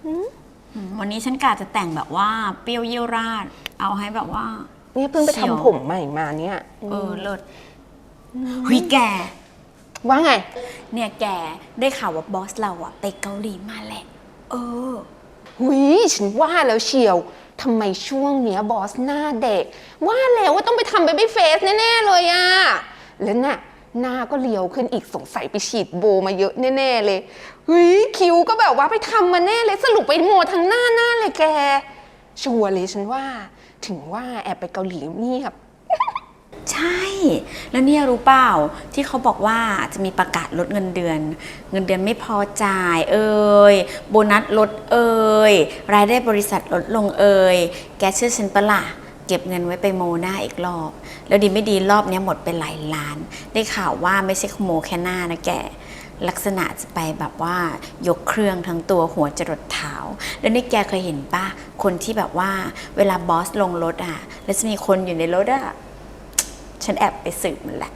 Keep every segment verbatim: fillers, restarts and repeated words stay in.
วันนี้ฉันกะจะแต่งแบบว่าเปรี้ยวเยี่ยวราดเอาให้แบบว่าเนี่ยเพิ่งไปทำผมใหม่มาเนี่ยเออเลิศหุยแกว่าไงเนี่ยแกได้ข่าวว่าบอสเราอะไปเกาหลีมาแหละเออหุยฉันว่าแล้วเชียวทำไมช่วงเนี้ยบอสหน้าเด็กว่าแล้วว่าต้องไปทำเบบี้เฟสแน่ๆเลยอะแล้วน่ะหน้าก็เรียวขึ้นอีกสงสัยไปฉีดโบมาเยอะแน่ๆเลยเฮ้ยคิ้วก็แบบว่าไปทำมาแน่เลยสรุปไปโมทั้งหน้าหน้าเลยแกชัวร์เลยฉันว่าถึงว่าแอบไปเกาหลีนี่ครับใช่แล้วเนี่ยรู้เปล่าที่เขาบอกว่าจะมีประกาศลดเงินเดือนเงินเดือนไม่พอจ่ายเอ่ยโบนัสลดเอ่ยรายได้บริษัทลดลงเอ่ยแกเชื่อฉันปะล่ะเก็บเงินไว้ไปโมหน้าอีกรอบแล้วดีไม่ดีรอบนี้หมดไปหลายล้านได้ข่าวว่าไม่ใช่ขโมยแค่หน้านะแกลักษณะจะไปแบบว่ายกเครื่องทั้งตัวหัวจรดเท้าแล้วนี่แกเคยเห็นป่ะคนที่แบบว่าเวลาบอสลงรถอ่ะแล้วจะมีคนอยู่ในรถอ่ะฉันแอบไปสืบมันแหละ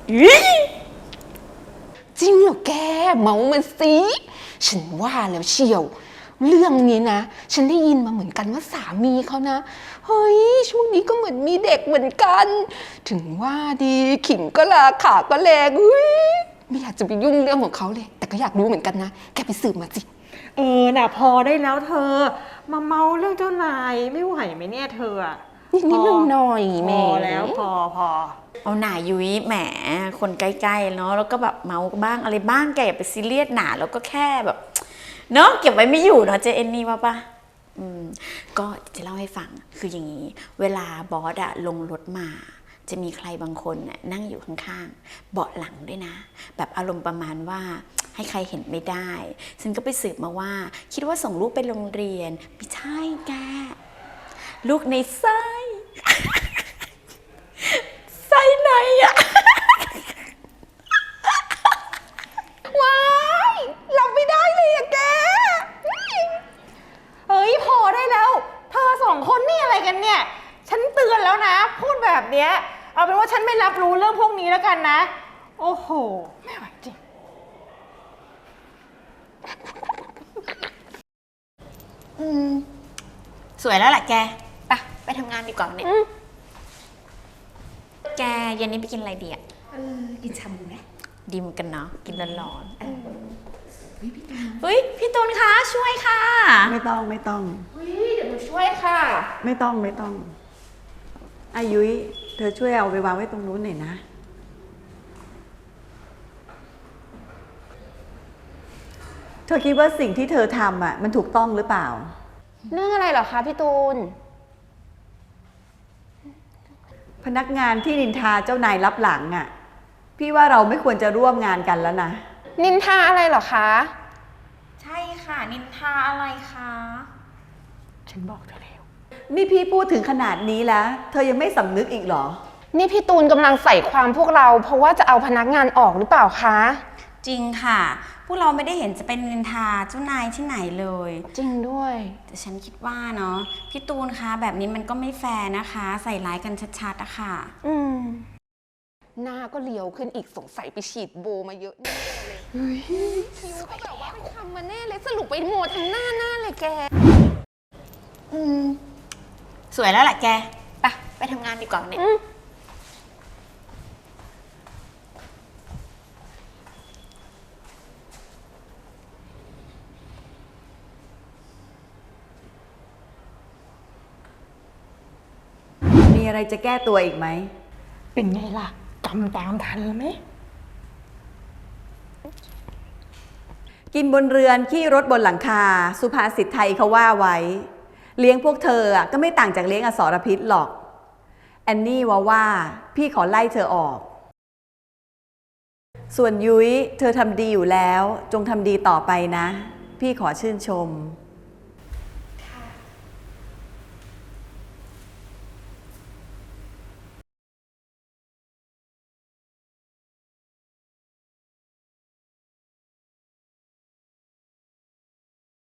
จริงเหรอแกเมามันสิฉันว่าแล้วเชียวเรื่องนี้นะฉันได้ยินมาเหมือนกันว่าสามีเขานะเฮ้ยช่วงนี้ก็เหมือนมีเด็กเหมือนกันถึงว่าดีขิงก็ลาขาก็แรงอุ้ยไม่อยากจะไปยุ่งเรื่องของเขาเลยแต่ก็อยากรู้เหมือนกันนะแกไปสืบมาสิเออน่ะพอได้แล้วเธอมาเมาเรื่องเจ้านายไม่ไหวไหมเนี่ยเธอนิดนิดหน่อยๆแม่พอแล้วพอพอเอาหน่ายุ้ยแหมคนใกล้ๆเนาะแล้วก็แบบเมาบ้างอะไรบ้างแกอย่าไปซีเรียสหนาแล้วก็แค่แบบเนาะเก็บไว้ไม่อยู่เนาะเจเอนนี่ว่าปะอืมก็จะเล่าให้ฟังคืออย่างนี้เวลาบอสอะลงรถมาจะมีใครบางคนน่ะนั่งอยู่ข้างๆเบาะหลังด้วยนะแบบอารมณ์ประมาณว่าให้ใครเห็นไม่ได้ฉันก็ไปสืบมาว่าคิดว่าส่งลูกไปโรงเรียนไม่ใช่แกลูกในไส้ไส้ไหนอะว้ายรับไม่ได้เลยอะแกเฮ้ยพอได้แล้วเธอสองคนนี่อะไรกันเนี่ยฉันเตือนแล้วนะพูดแบบเนี้ยเอาเป็นว่าฉันไม่รับรู้เรื่องพวกนี้แล้วกันนะโอ้โหไม่ไหวจริงอืมสวยแล้วแหละแกไปไปทำงานดีกว่าเนี่ยแกเย็นนี้ไปกินอะไรดีอ่ะเออกินชาบูไหมดีเหมือนกันเนาะกินร้อนๆเฮ้ยพี่ตูนคะช่วยค่ะไม่ต้องไม่ต้องเฮ้ยเดี๋ยวหนูช่วยค่ะไม่ต้องไม่ต้องอายุ้ยเธอช่วยเอาไปวางไว้ตรงนู้นหน่อยนะเธอคิดว่าสิ่งที่เธอทำอ่ะมันถูกต้องหรือเปล่าเรื่องอะไรเหรอคะพี่ตูนพนักงานที่นินทาเจ้านายรับหลังอ่ะพี่ว่าเราไม่ควรจะร่วมงานกันแล้วนะนินทาอะไรเหรอคะใช่ค่ะนินทาอะไรคะฉันบอกเธอแล้วนี่พี่พูดถึงขนาดนี้แล้วเธอยังไม่สำนึกอีกเหรอนี่พี่ตูนกำลังใส่ความพวกเราเพราะว่าจะเอาพนักงานออกหรือเปล่าคะจริงค่ะพวกเราไม่ได้เห็นจะเป็นนินทาเจ้านายที่ไหนเลยจริงด้วยแต่ฉันคิดว่าเนาะพี่ตูนคะแบบนี้มันก็ไม่แฟร์นะคะใส่ร้ายกันชัดๆอะค่ะอืมหน้าก็เรียวขึ้นอีกสงสัยไปฉีดโบมาเยอะแน่เลยคิ้วก็แบบว่าไปทำมาแน่เลยสรุปไปโมทั้งหน้าหน้าเลยแกอืมสวยแล้วแหละแกไปไปทำงานดีกว่าเนี่ยมีอะไรจะแก้ตัวอีกไหมเป็นไงล่ะจำตามทันไหมกินบนเรือนขี้รถบนหลังคาสุภาษิตไทยเขาว่าไว้เลี้ยงพวกเธอก็ไม่ต่างจากเลี้ยงอสรพิษหรอกแอนนี่ว่าว่าพี่ขอไล่เธอออกส่วนยุ้ยเธอทำดีอยู่แล้วจงทำดีต่อไปนะพี่ขอชื่นชม